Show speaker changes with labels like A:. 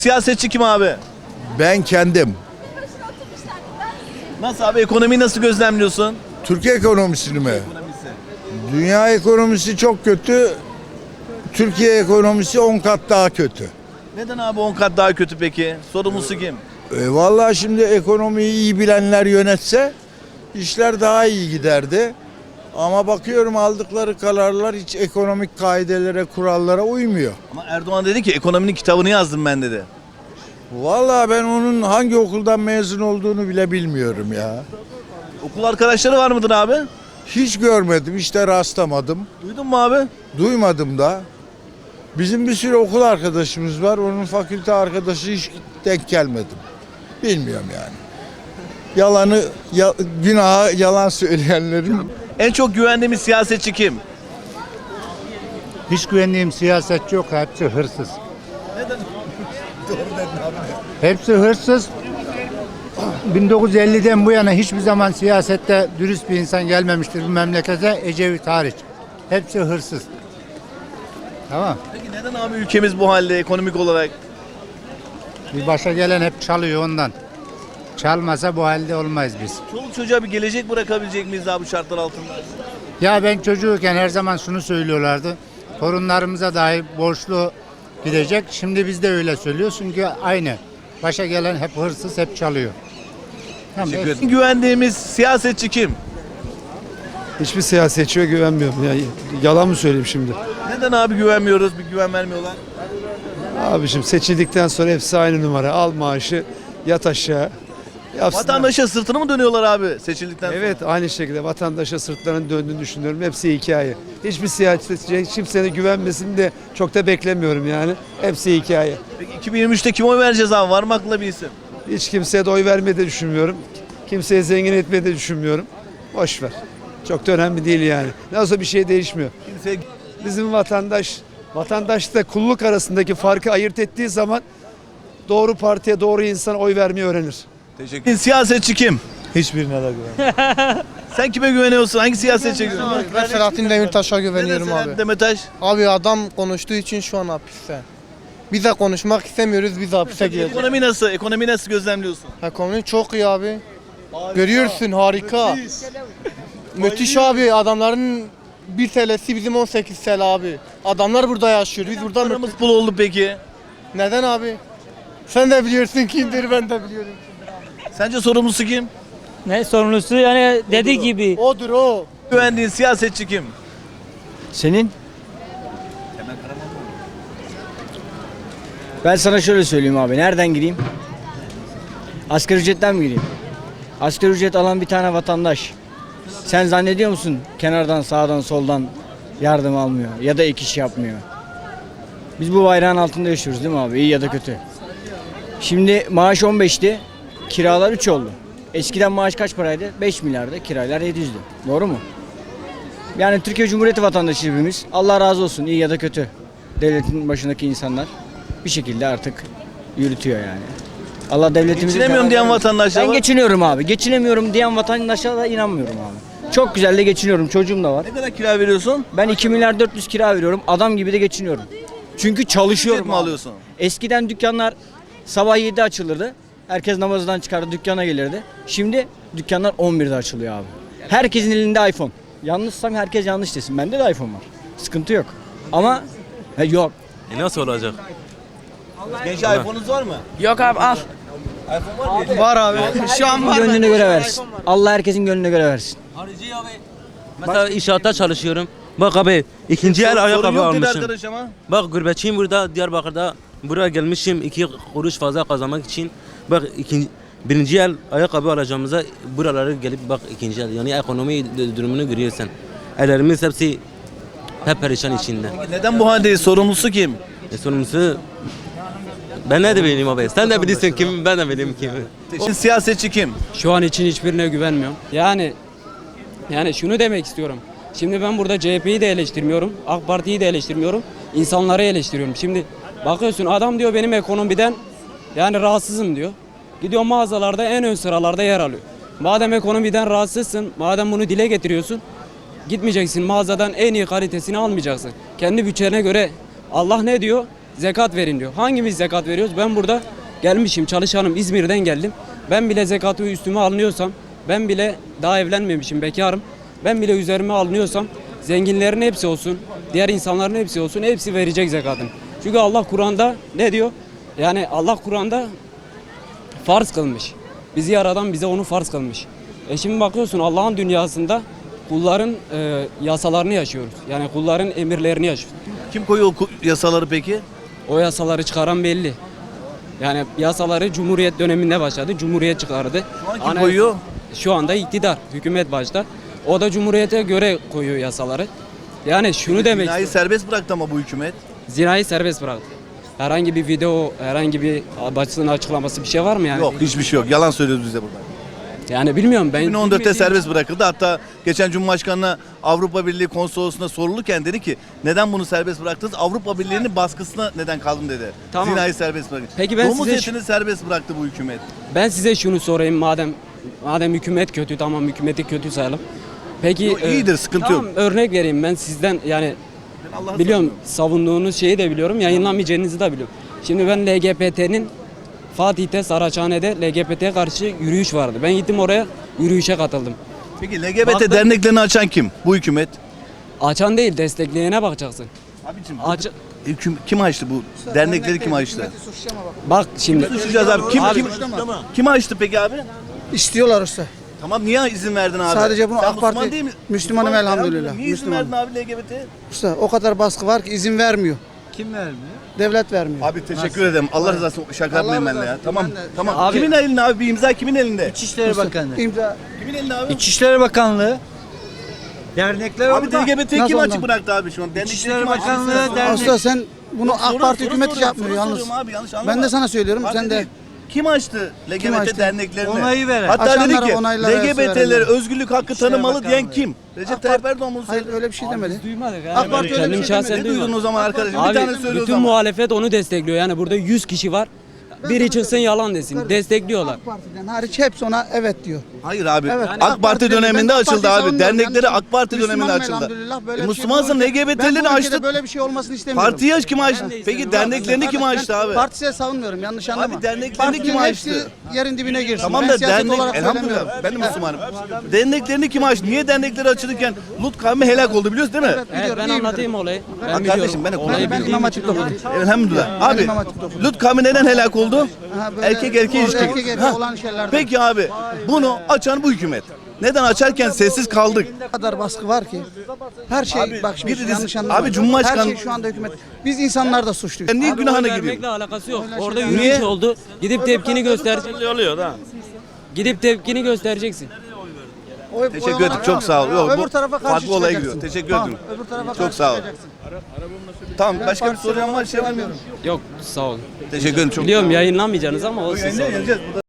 A: Siyasetçi kim abi?
B: Ben kendim.
A: Nasıl abi, ekonomiyi nasıl gözlemliyorsun?
B: Türkiye ekonomisini mi? Dünya ekonomisi çok kötü. Türkiye ekonomisi 10 kat daha kötü.
A: Neden abi 10 kat daha kötü peki? Sorumlusu kim?
B: Vallahi şimdi ekonomiyi iyi bilenler yönetse işler daha iyi giderdi. Ama bakıyorum aldıkları kararlar hiç ekonomik kaidelere, kurallara uymuyor.
A: Ama Erdoğan dedi ki ekonominin kitabını yazdım ben dedi.
B: Vallahi ben onun hangi okuldan mezun olduğunu bile bilmiyorum ya.
A: Okul arkadaşları var mıdır abi?
B: Hiç görmedim, hiç de rastlamadım.
A: Duydun mu abi?
B: Duymadım da. Bizim bir sürü okul arkadaşımız var. Onun fakülte arkadaşı hiç denk gelmedim. Bilmiyorum yani. Günaha yalan söyleyenlerin.
A: En çok güvendiğimiz siyasetçi kim?
C: Hiç güvendiğim siyasetçi yok. Hepsi hırsız.
A: Neden?
C: Hepsi hırsız. 1950'den bu yana hiçbir zaman siyasette dürüst bir insan gelmemiştir bu memlekete. Ecevit hariç. Hepsi hırsız. Tamam.
A: Peki neden abi ülkemiz bu halde ekonomik olarak?
C: Bir başa gelen hep çalıyor ondan. Çalmasa bu halde olmayız biz.
A: Çoluk çocuğa bir gelecek bırakabilecek miyiz abi bu şartlar altında?
C: Ya ben çocuğuyken her zaman şunu söylüyorlardı. Torunlarımıza dahi borçlu gidecek. Şimdi biz de öyle söylüyoruz çünkü aynı. Başa gelen hep hırsız, hep çalıyor. Tamam,
A: Teşekkür ederim. Güvendiğimiz siyasetçi kim?
D: Hiçbir siyasetçiye güvenmiyorum. Ya, yalan mı söyleyeyim şimdi?
A: Neden abi güvenmiyoruz, bir güven vermiyorlar?
D: Abiciğim seçildikten sonra hepsi aynı numara. Al maaşı, yat aşağı. Yapsınlar.
A: Vatandaşa sırtını mı dönüyorlar abi seçildikten sonra?
D: Evet, aynı şekilde vatandaşa sırtlarının döndüğünü düşünüyorum. Hepsi hikaye. Hiçbir siyasetçiye kimsenin güvenmesini de çok da beklemiyorum yani. Hepsi hikaye.
A: Peki 2023'te kime oy vereceğiz abi? Var mı aklında bir isim?
D: Hiç kimseye de oy vermeyi de düşünmüyorum. Kimseye zengin etmeyi de düşünmüyorum. Boş ver. Çok da önemli değil yani. Nasıl bir şey değişmiyor.
A: Kimseye...
D: Bizim vatandaşla kulluk arasındaki farkı ayırt ettiği zaman doğru partiye, doğru insana oy vermeyi öğrenir.
A: Teşekkür ederim. Siyasetçi kim?
E: Hiçbirine de güvenmiyorum.
A: Sen kime güveniyorsun? Hangi siyasetçiye güveniyorsun?
F: Ben Selahattin Demirtaş'a güveniyorum
A: Neden
F: abi.
A: Selahattin Demirtaş?
F: Abi adam konuştuğu için şu an hapiste. Biz de konuşmak istemiyoruz, biz de hapise gireceğiz.
A: Ekonomi nasıl? Ekonomi nasıl gözlemliyorsun?
F: Ekonomi çok iyi abi. Görüyorsun harika. Müthiş abi, adamların 1 TL'si bizim 18 TL abi. Adamlar burada yaşıyor, biz burada
A: Paramız pul oldu peki.
F: Neden abi? Sen de biliyorsun kimdir, ben de biliyorum.
A: Sence sorumlusu kim?
G: Ne sorumlusu yani dediği gibi.
F: Odur o.
A: Güvendiğin siyasetçi kim?
H: Senin? Ben sana şöyle söyleyeyim abi. Nereden gireyim? Asgari ücretten mi gireyim? Asgari ücret alan bir tane vatandaş. Sen zannediyor musun kenardan, sağdan, soldan yardım almıyor ya da ek iş yapmıyor? Biz bu bayrağın altında yaşıyoruz değil mi abi? İyi ya da kötü. Şimdi maaş 15'ti, kiralar 3 oldu. Eskiden maaş kaç paraydı? 5 milyardı, kiralar 700'dü. Doğru mu? Yani Türkiye Cumhuriyeti vatandaşı hepimiz. Allah razı olsun, iyi ya da kötü. Devletin başındaki insanlar bir şekilde artık yürütüyor yani. Allah devletimizi...
A: Geçinemiyorum diyen vatandaşlar
H: Ben
A: var.
H: geçiniyorum abi. Geçinemiyorum diyen vatandaşa da inanmıyorum abi. Çok güzel de geçiniyorum. Çocuğum da var.
A: Ne kadar kira veriyorsun?
H: Ben 2 milyar 400 kira veriyorum. Adam gibi de geçiniyorum. Çünkü çalışıyorum.
A: Ücret mi
H: abi.
A: alıyorsun?
H: Eskiden dükkanlar sabah 7'de açılırdı. Herkes namazdan çıkardı dükkana gelirdi. Şimdi dükkanlar 11'de açılıyor abi. Herkesin elinde iPhone. Yanlışsam herkes yanlış desin. Bende de iPhone var. Sıkıntı yok. Ama yok.
I: Nasıl olacak?
A: Gençler iPhone'unuz var mı?
G: Yok abi al.
A: iPhone var mı?
F: Var abi. Şu an var.
H: Gönlüne göre versin. Allah herkesin gönlüne göre versin.
I: Mesela inşaatta çalışıyorum. Bak abi ikinci el
A: Sorun
I: ayakkabı
A: yok dedi
I: almışım.
A: arkadaş ama.
I: Bak gurbetçiyim burada Diyarbakır'da. Buraya gelmişim 2 kuruş fazla kazanmak için. Bak birinci el ayakkabı alacağımıza buralara gelip bak ikinci el. Yani ekonomi durumunu görüyorsun. Ellerimiz hepsi hep perişan içinde.
A: Neden bu haldeyiz? Sorumlusu kim?
I: Sorumlusu ben ne de bileyim abi. Sen de bilirsin kim, ben de bileyim kim.
A: Siyasetçi kim?
G: Şu an için hiçbirine güvenmiyorum. Yani şunu demek istiyorum. Şimdi ben burada CHP'yi de eleştirmiyorum. AK Parti'yi de eleştirmiyorum. İnsanları eleştiriyorum. Şimdi bakıyorsun adam diyor benim ekonomiden yani rahatsızım diyor. Gidiyor mağazalarda en ön sıralarda yer alıyor. Madem ekonomiden rahatsızsın, madem bunu dile getiriyorsun, gitmeyeceksin mağazadan en iyi kalitesini almayacaksın. Kendi bütçene göre Allah ne diyor? zekat verin diyor. Hangimiz zekat veriyoruz? Ben burada gelmişim, çalışanım, İzmir'den geldim. Ben bile zekatı üstüme alınıyorsam, ben bile daha evlenmemişim, bekarım. Ben bile üzerime alınıyorsam, zenginlerin hepsi olsun, diğer insanların hepsi olsun, hepsi verecek zekatını. Çünkü Allah Kur'an'da ne diyor? Yani Allah Kur'an'da farz kılmış. Bizi yaradan bize onu farz kılmış. Şimdi bakıyorsun Allah'ın dünyasında kulların yasalarını yaşıyoruz. Yani kulların emirlerini yaşıyoruz.
A: Kim koyuyor o yasaları peki?
G: O yasaları çıkaran belli. Yani yasaları Cumhuriyet döneminde başladı. Cumhuriyet çıkardı.
A: Şu an kim koyuyor?
G: Şu anda iktidar, hükümet başta. O da Cumhuriyete göre koyuyor yasaları. Yani şunu demek
A: Zinayı
G: istiyorum.
A: serbest bıraktı ama bu hükümet.
G: Zinayı serbest bıraktı. Herhangi bir video, herhangi bir basın açıklaması bir şey var mı yani?
A: Yok, hiçbir şey yok. Yalan söylüyoruz bize burada.
G: Yani bilmiyorum ben.
A: 2014'te serbest bırakıldı. Hatta geçen Cumhurbaşkanı'na Avrupa Birliği konsolosluğuna sorulurken dedi ki neden bunu serbest bıraktınız? Avrupa Birliği'nin baskısına neden kaldım dedi.
G: Tamam.
A: Zinayı serbest bıraktı.
G: Peki ben
A: Domuz
G: size
A: etini serbest bıraktı bu hükümet.
G: Ben size şunu sorayım madem hükümet kötü, tamam hükümeti kötü sayalım. Peki
A: Yok, iyidir, sıkıntı
G: tamam,
A: yok.
G: örnek vereyim ben sizden yani
A: Ben Allah'a
G: biliyorum savunduğunuz şeyi de biliyorum, yayınlamayacağınızı da biliyorum. Şimdi ben LGBT'nin Fatih'te Saraçhane'de LGBT'ye karşı yürüyüş vardı. Ben gittim oraya yürüyüşe katıldım.
A: Peki LGBT
G: Baktım-
A: derneklerini açan kim? Bu hükümet.
G: Açan değil, destekleyene bakacaksın.
A: Abicim
G: Aç,
A: kim açtı bu? Dernekleri kim açtı?
G: bak şimdi
A: Suçlayacağız abi. Kim açtı peki abi?
J: İstiyorlar usta.
A: Tamam, niye izin verdin abi?
J: Sadece bunu
A: Sen
J: AK Parti-
A: Müslüman değil mi?
J: Müslümanım
A: Müslüman,
J: elhamdülillah.
A: Niye izin
J: Müslümanım.
A: verdin abi LGBT?
J: Usta o kadar baskı var ki izin vermiyor.
E: Kim vermiyor?
J: Devlet vermiyor.
A: Abi teşekkür ederim. Allah razı olsun. Şaka yapmayın benimle ya.
J: razı olsun.
A: Tamam.
J: Ben de-
A: Tamam.
G: Abi-
A: Kimin elinde abi? Bir imza kimin elinde?
E: İçişleri Bakanı.
J: İmza.
A: Kimin elinde abi?
E: İçişleri Bakanlığı. Dernekler
A: Abi
E: orada.
A: LGBT'yi
J: Nasıl
A: kim açık
J: ondan?
A: bıraktı abi şu an? Dernekleri
E: İçişleri
A: kim açık
E: Bakanlığı
A: bıraktı?
E: dernek-
J: Usta sen bunu AK Parti
A: Soru
J: hükümeti
A: soruyorum,
J: yapmıyor
A: soru
J: yalnız.
A: soruyorum abi, yanlış anlama.
J: Ben de sana söylüyorum
A: Parti
J: sen de.
A: değil. Kim açtı LGBT
J: açtı?
A: derneklerini?
E: Onayı veren.
A: Hatta dedi
J: Açanlara,
A: ki
J: onaylara
A: LGBT'lere
J: verenler.
A: özgürlük hakkı tanımalı
E: Bakanlığı.
A: diyen kim? Recep Tayyip Erdoğan bunu
J: Hayır
A: söyledi.
J: öyle bir şey demedi.
G: duymadık
J: AK Parti öyle bir
G: kendim
J: şey
G: şahsen
J: demedi.
A: Ne
G: duymadım.
A: duydun o zaman arkadaşım? Bir
G: Abi
A: tane söyle o
G: bütün
A: zaman.
G: muhalefet onu destekliyor. Yani burada 100 kişi var. Biri çıksın yalan desin. Destekliyorlar.
J: AK Parti'den hariç hepsi ona evet diyor.
A: Hayır abi.
J: Evet.
A: AK Parti
J: dedi. Ben
A: döneminde
J: AK
A: açıldı
J: Parti'yi
A: abi.
J: savunmuyorum.
A: Dernekleri
J: Yanlış-
A: AK Parti döneminde
J: Müslümanım
A: açıldı.
J: elhamdülillah, böyle bir şey
A: Müslümansın
J: bu ülke-
A: LGBT'lerini
J: Ben bu ülkede
A: açtı.
J: böyle bir şey olmasını istemiyorum.
A: Partiyi kim açtı?
G: de
A: Peki
G: istemiyorum.
A: derneklerini kim açtı abi?
J: Partisiye savunmuyorum yanlış anlama.
A: Abi derneklerini
J: Partinin
A: kim
J: hepsi
A: açtı?
J: yerin dibine girsin.
A: Tamam
J: Ben
A: da
J: siyaset
A: dernek,
J: olarak söylemiyorum.
A: elhamdülillah ben de Müslümanım. Derneklerini kim açtı? Niye dernekleri açılırken Lut kavmi helak oldu biliyoruz değil mi?
G: Evet,
J: Biliyorum,
G: ben
J: iyi
G: anlatayım olayı. Ben
A: Bak kardeşim, ben
G: Olayı
A: okuyorum.
J: Ben
G: bildiğim
J: İmam
G: için
J: Hatip'te
G: anlatayım.
A: Elhamdülillah. Abi
J: İmam Hatip'te okudum.
A: Lut kavmi neden helak oldu?
J: Ha, böyle
A: Erkek erkeğe ilişki.
J: erkek erkeğe
A: Ha.
J: olan şeylerden.
A: Peki abi bunu açan bu hükümet. Neden açarken sessiz kaldık?
J: O kadar baskı var ki. Her şey
A: Abi,
J: bak şimdi
A: bir de-
J: yanlış anlama.
A: abi Cumhurbaşkanı-
J: Her şey şu anda hükümet. Biz insanlar da suçluyuz.
A: Ben niye
G: Abi
A: günahına
G: oy
A: gireyim?
G: vermekle alakası yok. Orada
J: şeyler-
G: yürüyüş
A: Niye?
G: oldu. Gidip tepkini göstereceksin. Oluyor da. Gidip tepkini göstereceksin.
A: Teşekkür ederim. Çok sağ ol. Yok,
J: Öbür
A: bu
J: tarafa karşı
A: farklı olaya
J: çıkacaksın.
A: gidiyor. Teşekkür
J: Tamam,
A: ederim.
J: öbür tarafa
A: Çok
J: karşı
A: sağ ol.
J: çıkacaksın.
A: Tamam başka bir sorun var şey var mı?
G: Yok sağ olun.
A: Teşekkür ederim çok.
G: Biliyorum yayınlamayacaksınız ama olsun.
A: Yayınlayacağız.